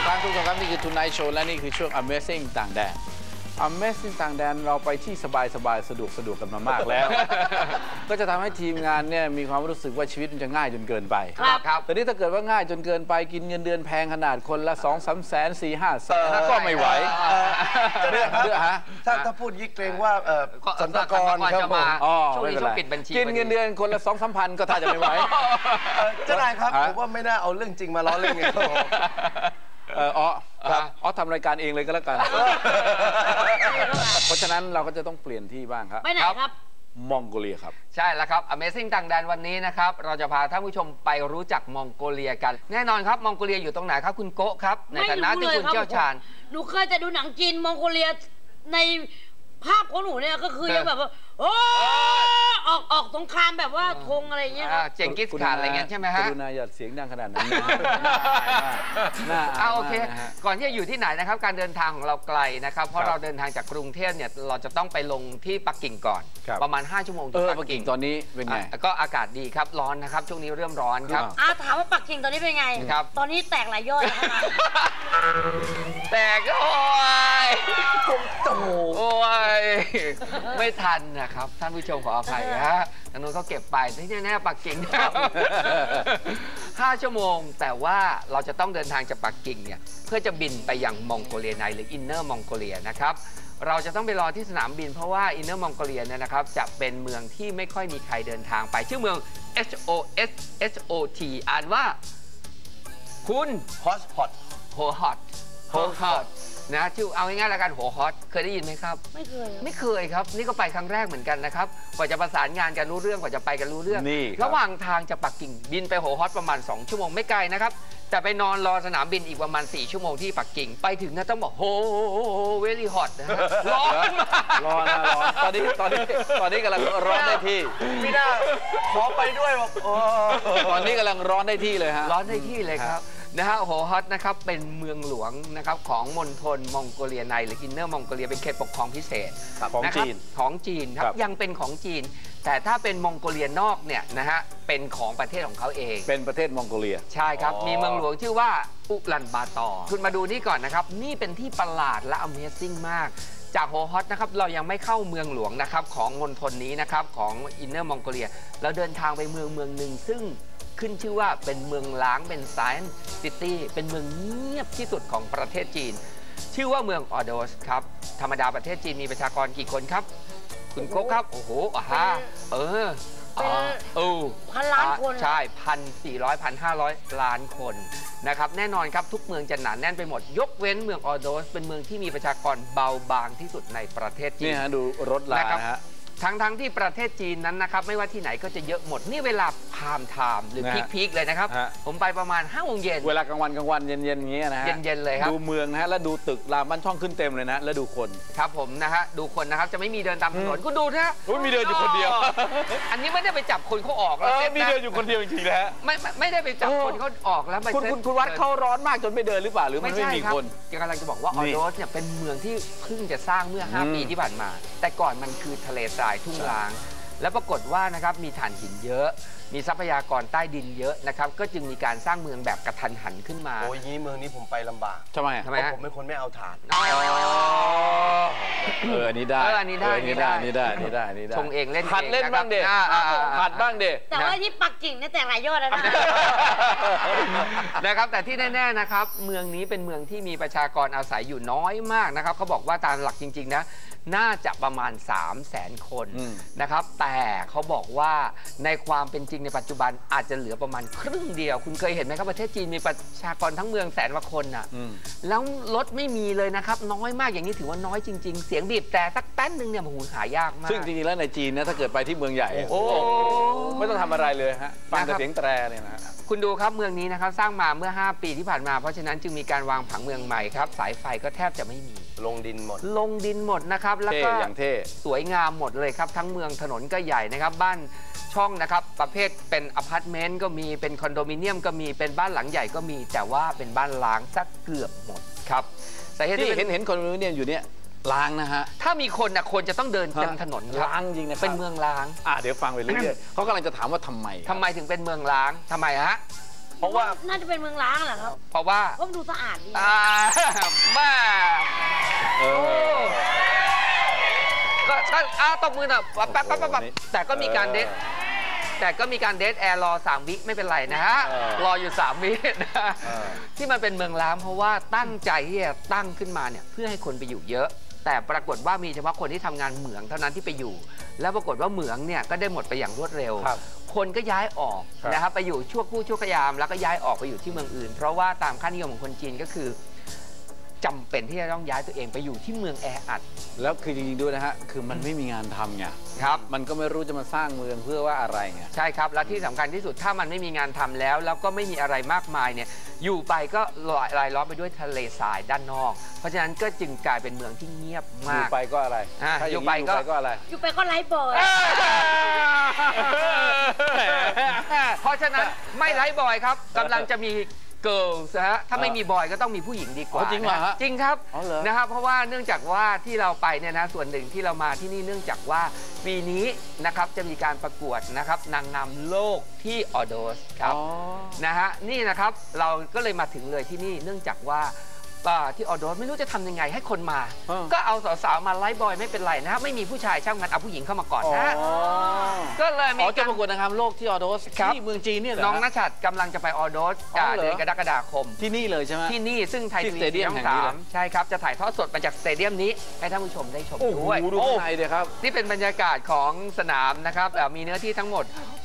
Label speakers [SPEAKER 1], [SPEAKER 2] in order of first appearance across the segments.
[SPEAKER 1] ครับทุกท่านครับนี่คือ Tonight Show และนี่คือช่วง Amazing ต่างแดน Amazing ต่างแดนเราไปที่สบายสะดวกกันมามากแล้ว ก็จะทำให้ทีมงานเนี่ยมีความรู้สึกว่าชีวิตมันจะง่ายจนเกินไปครับแต่นี่ถ้าเกิดว่าง่ายจนเกินไปกินเงินเดือนแพงขนาดคนละ2-3 แสน4-5 แสนก็ไม่ไหวเรื่องฮะ
[SPEAKER 2] ถ้าพูดยิ่งเกรงว่าสรรพากรครับผม
[SPEAKER 3] ช่วงนี้ช่วงปิดบัญชี
[SPEAKER 1] กินเงินเดือนคนละ2-3 พันก็ถ้าจะไม่ไหว
[SPEAKER 2] เจ้านายครับผมว่าไม่น่าเอาเรื่องจริงมาล้อเล่นไง
[SPEAKER 1] ทำรายการเองเลยก็แล้วกันเพราะฉะนั้นเราก็จะต้องเปลี่ยนที่บ้างครับ
[SPEAKER 3] ไปไหนครับ
[SPEAKER 1] มองโกเลียครับ
[SPEAKER 3] ใช่แล้วครับ Amazing ต่างแดนวันนี้นะครับเราจะพาท่านผู้ชมไปรู้จักมองโกเลียกันแน่นอนครับมองโกเลียอยู่ตรงไหนครับคุณโกะครับในฐานะที่คุณเชี่ยวชาญ
[SPEAKER 4] หนูเคยจะดูหนังจีนมองโกเลียในภาพของหนูเนี่ยก็คือยังแบบว่าโอ้ออกสงครามแบบว่าธงอะไรเงี้ย
[SPEAKER 3] เจงกิสข่านอะไรเงี้ยใช่ไหมฮะ
[SPEAKER 1] กรุณาอย่าเสียงดังขนาดนั้น
[SPEAKER 3] โอเคก่อนที่จะอยู่ที่ไหนนะครับการเดินทางของเราไกลนะครับเพราะเราเดินทางจากกรุงเทพเนี่ยเราจะต้องไปลงที่ปักกิ่งก่อนประมาณ5 ชั่วโมงที่
[SPEAKER 1] ปักกิ่งตอนนี้เป็นไง
[SPEAKER 3] ก็อากาศดีครับร้อนนะครับช่วงนี้เริ่มร้อนครับ
[SPEAKER 4] ถามว่าปักกิ่งตอนนี้เป็นไงครับตอนนี้แตกหลายยอด
[SPEAKER 3] แตกโอ้ยโอ้ยไม่ทันนะครับท่านผู้ชมขออภัยฮะทางนู้นเขาเก็บไปที่แน่ๆปักกิ่ง5 ชั่วโมงแต่ว่าเราจะต้องเดินทางจากปักกิ่งเนี่ยเพื่อจะบินไปยังมองโกเลียในหรืออินเนอร์มองโกเลียนะครับเราจะต้องไปรอที่สนามบินเพราะว่าอินเนอร์มองโกเลียเนี่ยนะครับจะเป็นเมืองที่ไม่ค่อยมีใครเดินทางไปชื่อเมือง HOT อ่านว่าคุณ
[SPEAKER 2] ฮอต
[SPEAKER 3] โฮอตนะชื่อเอาง่ายๆแล้วกันโหฮอตเคยได้ยินไหมครับไม่เคยครับนี่ก็ไปครั้งแรกเหมือนกันนะครับกว่าจะประสานงานกันรู้เรื่องกว่าจะไปกันรู้เรื่องระหว่างทางจากปักกิ่งบินไปโหฮอตประมาณ2 ชั่วโมงไม่ไกลนะครับแต่ไปนอนรอสนามบินอีกประมาณ4 ชั่วโมงที่ปักกิ่งไปถึงนะต้องบอกโหเวลี่ฮอตนะฮะร้
[SPEAKER 1] อนตอนนี้กำลังร้อนได้ที่
[SPEAKER 2] ไม่น่าขอไปด้วย
[SPEAKER 1] ตอนนี้กำลังร้อนได้ที่เลยฮะ
[SPEAKER 3] ร้อนได้ที่เลยครับนะฮะโหฮอตนะครับเป็นเมืองหลวงนะครับของมณฑลมองโกเลียในหรืออินเนอร์มองโกเลียเป็นเขตปกครองพิเศษ
[SPEAKER 1] ของ
[SPEAKER 3] จีนครับยังเป็นของจีนแต่ถ้าเป็นมองโกเลียนอกเนี่ยนะฮะเป็นของประเทศของเขาเอง
[SPEAKER 1] เป็นประเทศมองโกเลีย
[SPEAKER 3] ใช่ครับมีเมืองหลวงชื่อว่าอุลันบาตอร์คุณมาดูนี่ก่อนนะครับนี่เป็นที่ประหลาดและ Amazing มากจากโฮฮอตนะครับเรายังไม่เข้าเมืองหลวงนะครับของมณฑลนี้นะครับของอินเนอร์มองโกเลียเราเดินทางไปเมืองหนึ่งซึ่งขึ้นชื่อว่าเป็นเมืองล้างเป็นไซน์ซิตี้เป็นเมืองเงียบที่สุดของประเทศจีนชื่อว่าเมืองออโดสครับธรรมดาประเทศจีนมีประชากรกี่คนครับคุณโก้ครับโอ้โห
[SPEAKER 4] พันล้านคน
[SPEAKER 3] ใช่1,400-1,500 ล้านคนนะครับแน่นอนครับทุกเมืองจะหนาแน่นไปหมดยกเว้นเมืองออโดสเป็นเมืองที่มีประชากรเบาบางที่สุดในประเทศจีน
[SPEAKER 1] นี่ฮะดูรถลานะฮะ
[SPEAKER 3] ทั้งที่ประเทศจีนนั้นนะครับไม่ว่าที่ไหนก็จะเยอะหมดนี่เวลาพามไทม์หรือพีคเลยนะครับผมไปประมาณ5 โมงเย็น
[SPEAKER 1] เวลากลางวันเย็นอย่างเงี้ยนะฮะ
[SPEAKER 3] เย็นเลยครับ
[SPEAKER 1] ดูเมืองนะฮะแล้วดูตึกรามบ้านช่องขึ้นเต็มเลยนะแล้วดูคน
[SPEAKER 3] ครับผมนะฮะดูคนนะครับจะไม่มีเดินตามถนนคุณดูนะ
[SPEAKER 1] มีเดินอยู่คนเดียว
[SPEAKER 3] อันนี้ไม่ได้ไปจับคนเขาออกแล้ว
[SPEAKER 1] มีเดินอยู่คนเดียวจริงๆแล้ว
[SPEAKER 3] ไม่ได้ไปจับคนเขาออกแล้ว
[SPEAKER 1] คุณวัดเขาร้อนมากจนไม่เดินหรือเปล่าหรือมันไม่มีคน
[SPEAKER 3] กำลังจะบอกว่าออโดสเนี่ยเป็นเมืองที่เพิ่งจะสร้างเมื่อ5 ปีที่ผ่านมาแต่ก่อนมันคือทะเลทรายทุ่งร้างแล้วปรากฏว่านะครับมีถ่านหินเยอะมีทรัพยากรใต้ดินเยอะนะครับก็จึงมีการสร้างเมืองแบบกระทันหันขึ้นมา
[SPEAKER 2] โอ้ยเมืองนี้ผมไปลำบาก
[SPEAKER 1] ทำไม
[SPEAKER 2] ผมเป็นคนไม่เอาถ่าน
[SPEAKER 1] อันนี้ได้
[SPEAKER 3] อันนี้ได้ชงเองเล่น
[SPEAKER 1] ผัดเล่นบ้างเด็ผัดบ้างเด็
[SPEAKER 4] แต่ว่าที่ปักกิ่งเนี่ยแต่หลายยอดแล้ว
[SPEAKER 3] นะครับแต่ที่แน่ๆนะครับเมืองนี้เป็นเมืองที่มีประชากรอาศัยอยู่น้อยมากนะครับเขาบอกว่าตามหลักจริงๆนะน่าจะประมาณ300,000 คนนะครับแต่เขาบอกว่าในความเป็นจริงในปัจจุบันอาจจะเหลือประมาณครึ่งเดียวคุณเคยเห็นไหมครับประเทศจีนมีประชากรทั้งเมือง100,000 กว่าคนน่ะแล้วรถไม่มีเลยนะครับน้อยมากอย่างนี้ถือว่าน้อยจริงๆเสียงบีบแต่สักแป๊บนึงเนี่ยมันหายากมาก
[SPEAKER 1] ซึ่งจริงๆแล้วในจีนนะถ้าเกิดไปที่เมืองใหญ่ไม่ต้องทำอะไรเลยฮะฟังแต่เสียงแตรเนี่ยนะ
[SPEAKER 3] คุณดูครับเมืองนี้นะครับสร้างมาเมื่อ5 ปีที่ผ่านมาเพราะฉะนั้นจึงมีการวางผังเมืองใหม่ครับสายไฟก็แทบจะไม่มี
[SPEAKER 2] ลงดินหม
[SPEAKER 3] ดนะครับแล้วก็
[SPEAKER 1] อย่างเท่
[SPEAKER 3] สวยงามหมดเลยครับทั้งเมืองถนนก็ใหญ่นะครับบ้านช่องนะครับประเภทเป็นอพาร์ตเมนต์ก็มีเป็นคอนโดมิเนียมก็มีเป็นบ้านหลังใหญ่ก็มีแต่ว่าเป็นบ้านล้างสักเกือบหมดครับ
[SPEAKER 1] สาเหตุที่เห็นคอนโดมิเนียมอยู่เนี่ยล้างนะฮะ
[SPEAKER 3] ถ้ามีคนนะคนจะต้องเดินเต็มถนน
[SPEAKER 1] ล้างจริงนะ
[SPEAKER 3] เป็นเมืองล้าง
[SPEAKER 1] เดี๋ยวฟังไปเรื่อยๆเขากำลังจะถามว่าทำไม
[SPEAKER 3] ถึงเป็นเมืองล้างทำไมฮะ
[SPEAKER 2] เพราะว่า
[SPEAKER 4] น่าจะเป็นเมืองล้างเหรอครับ
[SPEAKER 3] เพราะว่า
[SPEAKER 4] เพราะมันดูสะอาดดี
[SPEAKER 3] มา ก็ตบมือหน่อยแป๊บแต่ก็มีการเดทแอร์รอ3 วิไม่เป็นไรนะฮะรออยู่3 วินะที่มันเป็นเมืองล้างเพราะว่าตั้งใจที่จะตั้งขึ้นมาเนี่ยเพื่อให้คนไปอยู่เยอะแต่ปรากฏว่ามีเฉพาะคนที่ทำงานเหมืองเท่านั้นที่ไปอยู่แล้วปรากฏว่าเหมืองเนี่ยก็ได้หมดไปอย่างรวดเร็วคนก็ย้ายออกนะครับไปอยู่ชั่วครู่ชั่วขยามแล้วก็ย้ายออกไปอยู่ที่เมืองอื่นเพราะว่าตามค่านิยมของคนจีนก็คือจำเป็นที่จะต้องย้ายตัวเองไปอยู่ที่เมืองแออัด
[SPEAKER 1] แล้วคือจริงๆด้วยนะฮะคือมันไม่มีงานทำไง
[SPEAKER 3] ครับ
[SPEAKER 1] มันก็ไม่รู้จะมาสร้างเมืองเพื่อว่าอะไรไง
[SPEAKER 3] ใช่ครับและที่สำคัญที่สุดถ้ามันไม่มีงานทำแล้วก็ไม่มีอะไรมากมายเนี่ยอยู่ไปก็รายล้อมไปด้วยทะเลทรายด้านนอกเพราะฉะนั้นก็จึงกลายเป็นเมืองที่เงียบมาก
[SPEAKER 1] อยู่ไปก็อะไร
[SPEAKER 3] อยู่ไปก็
[SPEAKER 1] อะไร
[SPEAKER 4] อยู่ไปก็ไร้บ่อย
[SPEAKER 3] เพราะฉะนั้นไม่ไร้บ่อยครับกำลังจะมีเกิร์ลฮะถ้าไม่มีบอยก็ต้องมีผู้หญิงดีกว่า
[SPEAKER 1] จริงเหรอฮะ
[SPEAKER 3] จริงครับนะครับเพราะว่าเนื่องจากว่าที่เราไปเนี่ยนะส่วนหนึ่งที่เรามาที่นี่เนื่องจากว่าปีนี้นะครับจะมีการประกวดนะครับนางงามโลกที่ออโดสครับนะฮะนี่นะครับเราก็เลยมาถึงเลยที่นี่เนื่องจากว่าที่ออโดสไม่รู้จะทำยังไงให้คนมาก็เอาสาวๆมาไลฟ์บอยไม่เป็นไรนะไม่มีผู้ชายช่างมันเอาผู้หญิงเข้ามาก่อนนะก็เลยมี
[SPEAKER 1] การประกวดนางงามโลกที่ออโดสที่เมืองจีนเนี่ยเหรอ
[SPEAKER 3] น้องณชัดกำลังจะไปออโดสเดือนกรกฎาคม
[SPEAKER 1] ที่นี่เลยใช่ไหม
[SPEAKER 3] ที่นี่ซึ่งไทยทีวีช่อง3ใช่ครับจะถ่ายทอดสดมาจากสเตเดียมนี้ให้ท่านผู้ชมได้ชมด้วย
[SPEAKER 1] ดูข้างในเลยครับ
[SPEAKER 3] นี่เป็นบรรยากาศของสนามนะครับมีเนื้อที่ทั้งหมด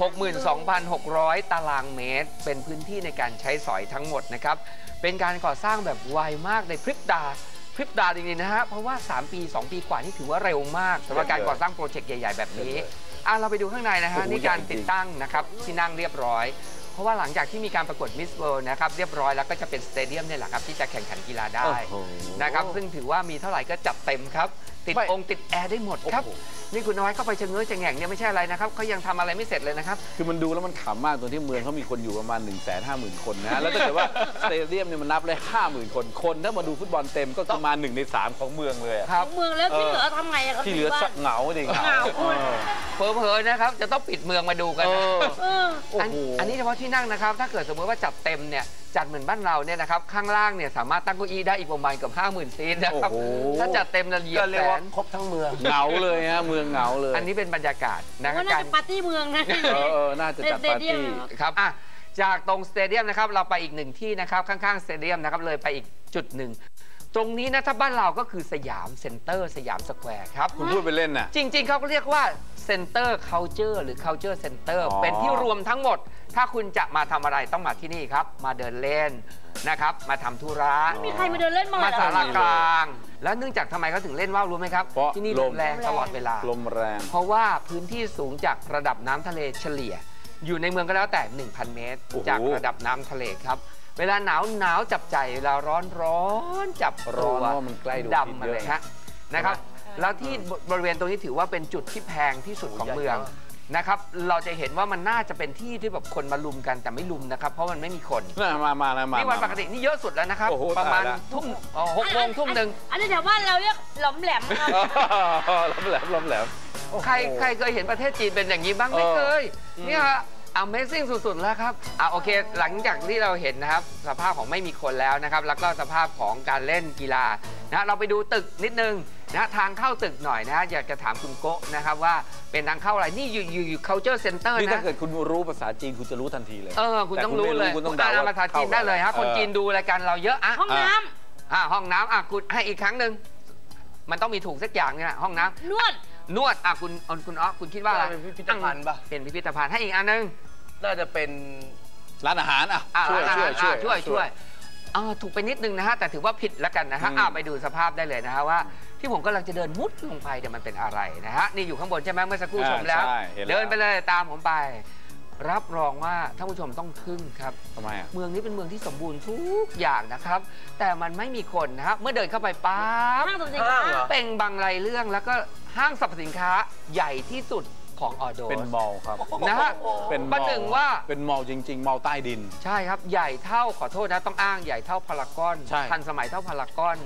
[SPEAKER 3] 62,600 ตารางเมตรเป็นพื้นที่ในการใช้สอยทั้งหมดนะครับเป็นการก่อสร้างแบบไวมากในพริบตาจริงๆนะฮะเพราะว่า3 ปี 2 ปีกว่านี่ถือว่าเร็วมากสำหรับการก่อสร้างโปรเจกต์ใหญ่ๆแบบนี้เราไปดูข้างในนะฮะนี่การติดตั้งนะครับที่นั่งเรียบร้อยเพราะว่าหลังจากที่มีการประกวดมิสเวิลด์นะครับเรียบร้อยแล้วก็จะเป็นสเตเดียมเนี่ยแหละครับที่จะแข่งขันกีฬาได้นะครับซึ่งถือว่ามีเท่าไหร่ก็จัดเต็มครับติดติดแอร์ได้หมดครับนี่คุณน้อยเข้าไปเชิงเงยเชิงแง่งเนี่ยไม่ใช่อะไรนะครับเขายังทำอะไรไม่เสร็จเลยนะครับ
[SPEAKER 1] คือมันดูแล้วมันขำมากตรงที่เมืองเขามีคนอยู่ประมาณ 150,000 คนนะแล้วถ้าเกิดว่าสเตเดียมเนี่ยมันนับเลย50,000 คนถ้ามาดูฟุตบอลเต็มก็ประมาณ1 ใน 3ของเมืองเลย
[SPEAKER 4] ของเมืองแล้วที่เหลือทำไงครับ
[SPEAKER 1] ที่เหลือเหงาดิ
[SPEAKER 4] เหงา
[SPEAKER 3] เผลอๆนะครับจะต้องปิดเมืองมาดูกันอันนี้เฉพาะที่นั่งนะครับถ้าเกิดสมมติว่าจัดเต็มเนี่ยจัดเหมือนบ้านเราเนี่ยนะครับข้างล่างเนี่ยสามารถตั้งเก้าอี้ได้อีกประมาณเกือบ 50,000 ซีทนะครับถ้าจัดเต็มละเอียดแสน
[SPEAKER 2] ครบทั้งเมือง
[SPEAKER 1] เหงาเลยฮะเมืองเหงาเลย
[SPEAKER 3] อันนี้เป็นบรรยากาศ
[SPEAKER 4] นะครับน่าจะปาร์ตี้เมืองนะ
[SPEAKER 1] น่าจะจัดปาร์ตี้
[SPEAKER 3] ครับจากตรงสเตเดียมนะครับเราไปอีก1ที่นะครับข้างๆสเตเดียมนะครับเลยไปอีกจุดหนึ่งตรงนี้นะถ้าบ้านเราก็คือสยามเซ็นเตอร์สยามสแควร์ครับ
[SPEAKER 1] คุณพูดไปเล่นนะ
[SPEAKER 3] จริงๆเขาก็เรียกว่าเซ็นเตอร์คัลเจอร์หรือ culture center เป็นที่รวมทั้งหมดถ้าคุณจะมาทำอะไรต้องมาที่นี่ครับมาเดินเล่นนะครับมาทำธุระ
[SPEAKER 4] มีใครมาเดินเล่นมา
[SPEAKER 3] ศาลากลางแล้วเนื่องจากทำไมเขาถึงเล่นว่าวรู้ไหมครับที่นี่ลมแรงตลอดเวลา
[SPEAKER 1] ลมแรง
[SPEAKER 3] เพราะว่าพื้นที่สูงจากระดับน้ำทะเลเฉลี่ยอยู่ในเมืองก็แล้วแต่ 1,000 เมตรจากระดับน้ำทะเลครับเวลาหนาวจับใจเวลาร้อนจับตัวดำมาเลยฮะนะครับแล้วที่บริเวณตรงนี้ถือว่าเป็นจุดที่แพงที่สุดของเมืองนะครับเราจะเห็นว่ามันน่าจะเป็นที่ที่แบบคนมาลุมกันแต่ไม่ลุมนะครับเพราะมันไม่มีคน
[SPEAKER 1] มา
[SPEAKER 3] นี่วันปกตินี่เยอะสุดแล้วนะครับประมาณทุ่ม6 โมงทุ่มหนึ่ง
[SPEAKER 4] อันนี้แถวบ้านเราเรียกหลอมแหลมครับ
[SPEAKER 1] หลอมแหลม
[SPEAKER 3] ใครเคยเห็นประเทศจีนเป็นอย่างนี้บ้างไม่เคยเนี่ยAmazing สุดๆแล้วครับโอเคหลังจากที่เราเห็นนะครับสภาพของไม่มีคนแล้วนะครับแล้วก็สภาพของการเล่นกีฬานะเราไปดูตึกนิดนึงนะทางเข้าตึกหน่อยนะอยากจะถามคุณโกะนะครับว่าเป็นทางเข้าอะไรนี่อยู่ culture center นะ
[SPEAKER 1] นี่ถ้าเกิดคุณรู้ภาษาจีนคุณจะรู้ทันทีเลย
[SPEAKER 3] คุณต้องรู้เลยคุณอ่านภาษาจีนได้เลยครับคนจีนดูรายการเราเยอะ
[SPEAKER 4] ห้องน้
[SPEAKER 3] ำห้องน้ำคุณให้อีกครั้งหนึ่งมันต้องมีถูกสักอย่างนี่แหละห้องน้ำนวดคุณคิดว่าอะไร
[SPEAKER 2] เป็นพิพิธภัณฑ์ป่ะ
[SPEAKER 3] เป็นพิพิธภัณฑ์ให้อีกอันนึง
[SPEAKER 2] น่าจะเป็น
[SPEAKER 1] ร้านอาหารช่วย
[SPEAKER 3] ถูกไปนิดนึงนะฮะแต่ถือว่าผิดแล้วกันนะฮะไปดูสภาพได้เลยนะฮะว่าที่ผมกำลังจะเดินมุดลงไปเดี๋ยวมันเป็นอะไรนะฮะนี่อยู่ข้างบนใช่ไหมเมื่อสักครู่ชมแล้วเดินไปเลยตามผมไปรับรองว่าท่านผู้ชมต้องทึ่งครับ
[SPEAKER 1] ทำไม
[SPEAKER 3] เมืองนี้เป็นเมืองที่สมบูรณ์ทุกอย่างนะครับแต่มันไม่มีคนนะฮะเมื่อเดินเข้าไปปั๊บเป็นบางรายเรื่องแล้วก็ห้างสรรพสินค้าใหญ่ที่สุดของออโดส
[SPEAKER 1] เป็นมอลล์ครับ
[SPEAKER 3] นะฮะ
[SPEAKER 1] เป็น
[SPEAKER 3] ประหนึ่งว่า
[SPEAKER 1] เป็นมอลล์จริงๆมอลล์ใต้ดิน
[SPEAKER 3] ใช่ครับใหญ่เท่าขอโทษนะต้องอ้างใหญ่เท่าพารากอนทันสมัยเท่าพารากอน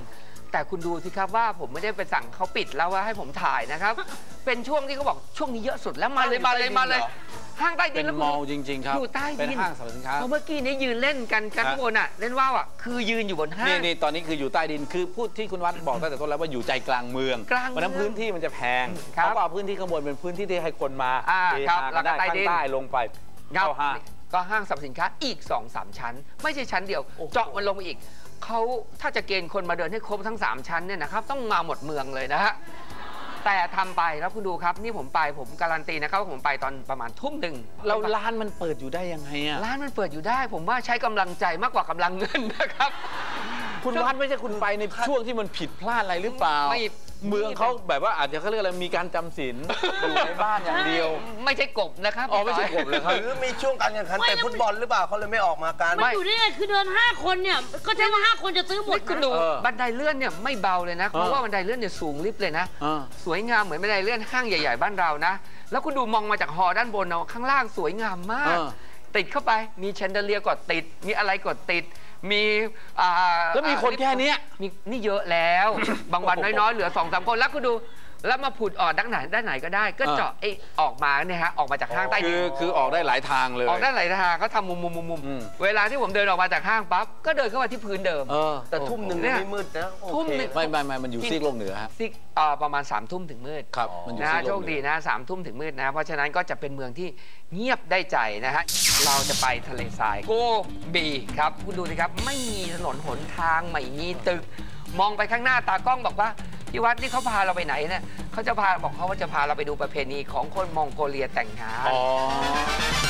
[SPEAKER 3] แต่คุณดูสิครับว่าผมไม่ได้ไปสั่งเขาปิดแล้วว่าให้ผมถ่ายนะครับ เป็นช่วงที่เขาบอกช่วงนี้เยอะสุดแล้วมาเลยห้างใต้ดิ
[SPEAKER 1] เป็น น
[SPEAKER 3] แล้ว
[SPEAKER 1] มอลล์จริง ๆ ครับ
[SPEAKER 3] อยู่ใต้ดิน
[SPEAKER 1] เป็นห้างสรรพสินค้า
[SPEAKER 3] เพราะเมื่อกี้นี้ยืนเล่นกันข้างบนอ่ะเล่นว่าวอ่ะคือยืนอยู่บนห้าง
[SPEAKER 1] นี่ตอนนี้คืออยู่ใต้ดินคือพูดที่คุณวัดบอกตั้งแต่ต้นแล้วว่าอยู่ใจกลางเมือง
[SPEAKER 3] กลางเมือง
[SPEAKER 1] เพราะฉะนั้นพื้นที่มันจะแพง
[SPEAKER 3] ครับ
[SPEAKER 1] เขาก็เอาพื้นที่ข้างบนเป็นพื้นที่ที่ให้คนมา
[SPEAKER 3] ครับ
[SPEAKER 1] เฮฮา
[SPEAKER 3] แล้วก็
[SPEAKER 1] ได้
[SPEAKER 3] ใต้
[SPEAKER 1] ข้าง
[SPEAKER 3] ดิน
[SPEAKER 1] ใต้ลงไป
[SPEAKER 3] ครับ
[SPEAKER 1] เข้าห้าง
[SPEAKER 3] ก็ห้างสรรพสินค้าอีก 2-3 ชั้น ไม่ใช่ชั้นเดียว เจาะมันลงไปอีกเขาถ้าจะเกณฑ์คนมาเดินให้ครบทั้ง 3 ชั้นเนี่ยนะครับต้องมาหมดเมืองเลยนะฮะแต่ทำไปแล้วคุณดูครับนี่ผมการันตีนะครับว่าผมไปตอนประมาณทุ่มหนึ่ง
[SPEAKER 1] แล้วร้านมันเปิดอยู่ได้ยังไงอ่ะ
[SPEAKER 3] ร้านมันเปิดอยู่ได้ ผมว่าใช้กำลังใจมากกว่ากำลังเงินนะครับ
[SPEAKER 1] คุณวัดไม่ใช่คุณไปในช่วงที่มันผิดพลาดอะไรหรือเปล่า
[SPEAKER 3] ไม่
[SPEAKER 1] เมืองเขาแบบว่าอาจจะเขาเรียกอะไรมีการจำศีลอยู่ในบ้านอย่างเดียว
[SPEAKER 3] ไม่ใช่กบนะครับ
[SPEAKER 1] อ๋อไม่ใช่กบเลยครับ
[SPEAKER 2] หรือมีช่วงการแข่งขันเตะฟุตบอลหรือเปล่าเขาเลยไม่ออกมากัน
[SPEAKER 4] มันอยู่ได้ไงคือเดิน5 คนเนี่ยก็ใช่ว่า5 คนจะซื้อหมด
[SPEAKER 3] นี่คุณ
[SPEAKER 4] นะ
[SPEAKER 3] ดู
[SPEAKER 1] เออ
[SPEAKER 3] บันไดเลื่อนเนี่ยไม่เบาเลยนะ เพราะว่าบันไดเลื่อนเนี่ยสูงลิฟต์เลยนะ สวยงามเหมือนบันไดเลื่อนห้างใหญ่ๆบ้านเรานะ แล้วคุณดูมองมาจากฮอด้านบนเนาะข้างล่างสวยงามมาก ติดเข้าไปมีแชนเดอเลียร์กดติด มีอะไรกดติด มี
[SPEAKER 1] แล้วมีคนแค่เนี้ย
[SPEAKER 3] มีนี่เยอะแล้ว บางวันน้อยๆเหลือ 2-3 คนแล้วคุณดูแล้วมาผุดออกด้านไหนก็ได้ ก็เจาะไอ้ออกมาเนี่ยฮะออกมาจากห้างใต้ดิน
[SPEAKER 1] คือออกได้หลายทางเลย
[SPEAKER 3] ออกได้หลายทางเขาทำมุมเวลาที่ผมเดินออกมาจากห้างปั๊บก็เดินเข้ามาที่พื้นเดิม
[SPEAKER 2] แต่ทุ่มหนึ่ง
[SPEAKER 3] เนี่ย
[SPEAKER 2] ไม่มืดนะโอ
[SPEAKER 3] ทุ่ม
[SPEAKER 2] เค
[SPEAKER 3] หนึ่ง
[SPEAKER 1] ไม่มันอยู่ซีกโลกเหนือฮะ
[SPEAKER 3] ซิกประมาณ3 ทุ่มถึงมืด
[SPEAKER 1] ครับมันอยู่
[SPEAKER 3] นะ
[SPEAKER 1] ซี
[SPEAKER 3] ฮะ
[SPEAKER 1] กโล
[SPEAKER 3] โช
[SPEAKER 1] ก
[SPEAKER 3] ค
[SPEAKER 1] เหนื
[SPEAKER 3] ดี
[SPEAKER 1] อ
[SPEAKER 3] นะ3 ทุ่มถึงมืดนะเพราะฉะนั้นก็จะเป็นเมืองที่เงียบได้ใจนะฮะเราจะไปทะเลทรายโกบีครับคุณดูสิครับไม่มีถนนหนทางไม่มีตึก มองไปข้างหน้าตากล้องบอกว่าพี่วัดนี่เขาพาเราไปไหนเนี่ยเขาจะพาเราไปดูประเพณีของคนมองโกเลียแต่งงาน
[SPEAKER 1] อ๋อ